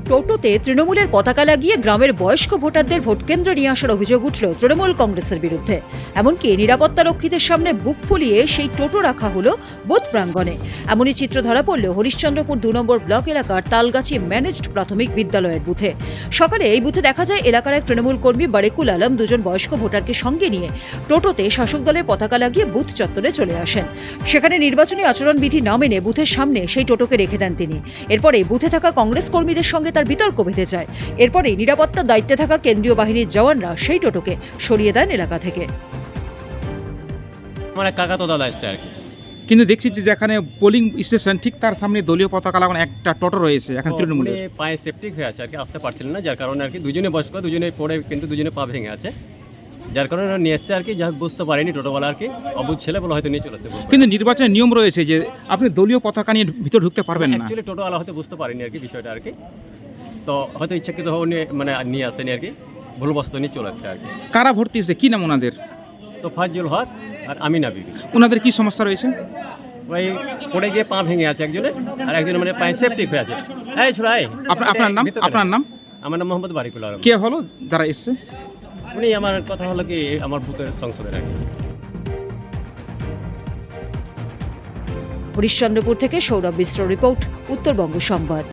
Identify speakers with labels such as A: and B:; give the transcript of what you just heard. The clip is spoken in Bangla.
A: টোটোতে তৃণমূলের পতাকা লাগিয়ে গ্রামের বয়স্ক ভোটারদের ভোটকেন্দ্রে নিয়ে আসার অভিযোগ উঠল তৃণমূল কংগ্রেসের বিরুদ্ধে। এমনকি নিরাপত্তা রক্ষীদের সামনে বুক ফুলিয়ে সেই টোটো রাখা হলো বুথ প্রাঙ্গণে। এমনই চিত্র ধরা পড়ল হরিশ্চন্দ্রপুর 2 নম্বর ব্লক এলাকার তালগাছি ম্যানেজড প্রাথমিক বিদ্যালয়ের বুথে। সকালে এই বুথে দেখা যায় এলাকার এক তৃণমূল কর্মী বারেকুল আলম দুজন বয়স্ক ভোটারকে সঙ্গে নিয়ে টোটোতে শাসক দলের পতাকা লাগিয়ে বুথ চত্বরে চলে আসেন। সেখানে নির্বাচনী আচরণবিধি না মেনে বুথের সামনে সেই টোটোকে রেখে দেন তিনি। এরপরে বুথে থাকা কংগ্রেস কর্মীদের সঙ্গে তার বিতর্ক বেঁধে যায়। এরপরে নিরাপত্তার দায়িত্বে থাকা কেন্দ্রীয় বাহিনীর জওয়ানরা সেই টোটোকে সরিয়ে দেন এলাকা থেকে।
B: আমার এক কাকা তো দাদা এসছে আর কি।
C: কিন্তু দেখছি যে যেখানে পোলিং স্টেশন ঠিক তার সামনে দলীয় পতাকা লাগানো একটা টোটো রয়েছে, এখন তৃণমূলের।
B: পায়ে সেপটিক হয়ে আছে আর কি, আসতে পারছিলেন না, যার কারণে আর কি দুজনে বয়স্ক, দুজনে পড়ে কিন্তু দুজনে পা ভেঙে আছে, যার কারণে ওরা নিয়ে এসছে আর কি। যা বুঝতে পারেনি টোটোওয়ালা আর কি, অবুঝ ছেলে বলে হয়তো নিয়ে চলেছে।
C: কিন্তু নির্বাচনের নিয়ম রয়েছে যে আপনি দলীয় পতাকা নিয়ে ভিতর ঢুকতে পারবেন না।
B: অ্যাকচুয়ালি টোটোওয়ালা হয়তো বুঝতে পারেনি আর কি বিষয়টা আর কি, তো হয়তো ইচ্ছাকৃত মানে নিয়ে আসেনি আর কি, ভুলবশত নিয়ে চলে আসছে আর কি।
C: কারা ভর্তি হয়েছে, কি নাম ওনাদের?
B: তো ফাজুল হক আর আমিনা বিবি।
C: ওনাদের কি সমস্যা রয়েছে?
B: ওই পড়ে গিয়ে পা ভেঙে আছে একজনে, আর একজনের মানে পায়ে সেপটিক হয়ে আছে। এই ছোড়াই,
C: আপনার নাম? আপনার নাম?
B: আমার নাম মোহাম্মদ বারিকুল আলম।
C: কে হলো যারা এসছে?
B: উনি আমার কথা হলো কি আমার বুথের সংসদের আর কি।
A: হরিশ্চন্দ্রপুর থেকে সৌরভ মিশ্র রিপোর্ট, উত্তরবঙ্গ সংবাদ।